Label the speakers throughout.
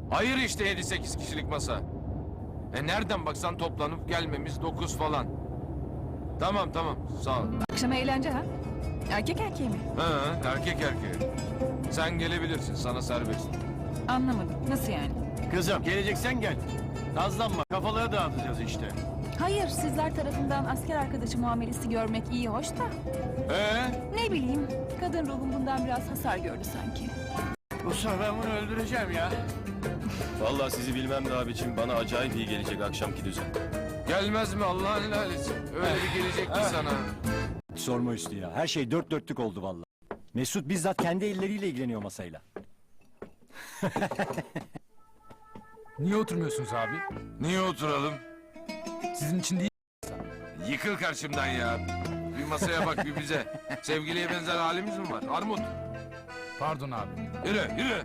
Speaker 1: Hayır işte 7-8 kişilik masa. Nereden baksan toplanıp gelmemiz 9 falan. Tamam sağ ol.
Speaker 2: Akşama eğlence ha? Erkek erkeğe mi?
Speaker 1: Ha, erkek erkeğe. Sen gelebilirsin, sana serbest.
Speaker 2: Anlamadım. Nasıl yani?
Speaker 3: Kızım geleceksen gel. Nazlanma, kafaları dağıtacağız işte.
Speaker 2: Hayır, sizler tarafından asker arkadaşı muamelesi görmek iyi hoş da. Ne bileyim, kadın ruhum bundan biraz hasar gördü sanki.
Speaker 3: Bu sefer ben bunu öldüreceğim ya.
Speaker 4: Vallahi sizi bilmem de abicim, bana acayip iyi gelecek akşamki düzen.
Speaker 1: Gelmez mi Allah'ın helalisi? Öyle bir gelecek ki sana.
Speaker 5: Sorma Üstü ya. Her şey dört dörtlük oldu vallahi. Mesut bizzat kendi elleriyle ilgileniyor masayla.
Speaker 6: Niye oturmuyorsunuz abi?
Speaker 1: Niye oturalım?
Speaker 6: Sizin için değil.
Speaker 1: Yıkıl karşımdan ya. Bir masaya bak bir bize. Sevgiliye benzer halimiz mi var? Armut.
Speaker 6: Pardon abi.
Speaker 1: Yürü.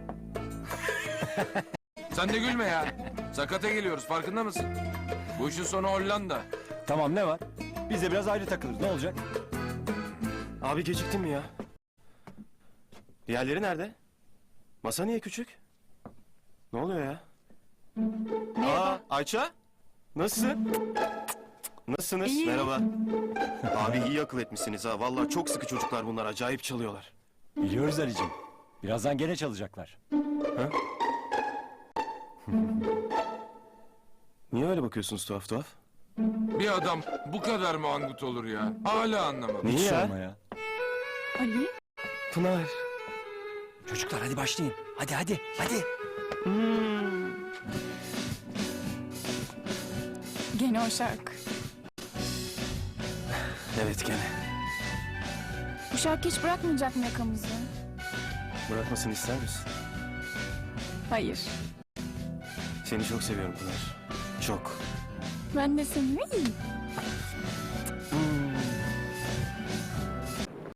Speaker 1: Sen de gülme ya. Sakata geliyoruz, farkında mısın? Bu işin sonu Hollanda.
Speaker 5: Tamam ne var? Biz de biraz ayrı takılırız. Ne olacak?
Speaker 4: Abi geciktin mi ya? Diğerleri nerede? Masa niye küçük? Ne oluyor ya? Aa, Ayça? Nasılsın? Nasılsınız?
Speaker 2: İyiyim.
Speaker 4: Merhaba. Abi iyi akıl etmişsiniz ha. Vallahi çok sıkı çocuklar bunlar. Acayip çalıyorlar.
Speaker 5: Biliyoruz Ali'cim. Birazdan gene çalacaklar.
Speaker 4: Niye öyle bakıyorsunuz tuhaf tuhaf?
Speaker 1: Bir adam bu kadar mı angut olur ya? Hala anlamadım.
Speaker 4: Niye ya?
Speaker 5: Sorma ya.
Speaker 2: Ali?
Speaker 4: Pınar.
Speaker 5: Çocuklar hadi başlayın. Hadi.
Speaker 2: Gene o şarkı.
Speaker 4: Evet gene.
Speaker 2: Bu şarkı hiç bırakmayacak mı yakamızı?
Speaker 4: Bırakmasını ister misin?
Speaker 2: Hayır.
Speaker 4: Seni çok seviyorum Pınar. Çok.
Speaker 2: Ben de seni.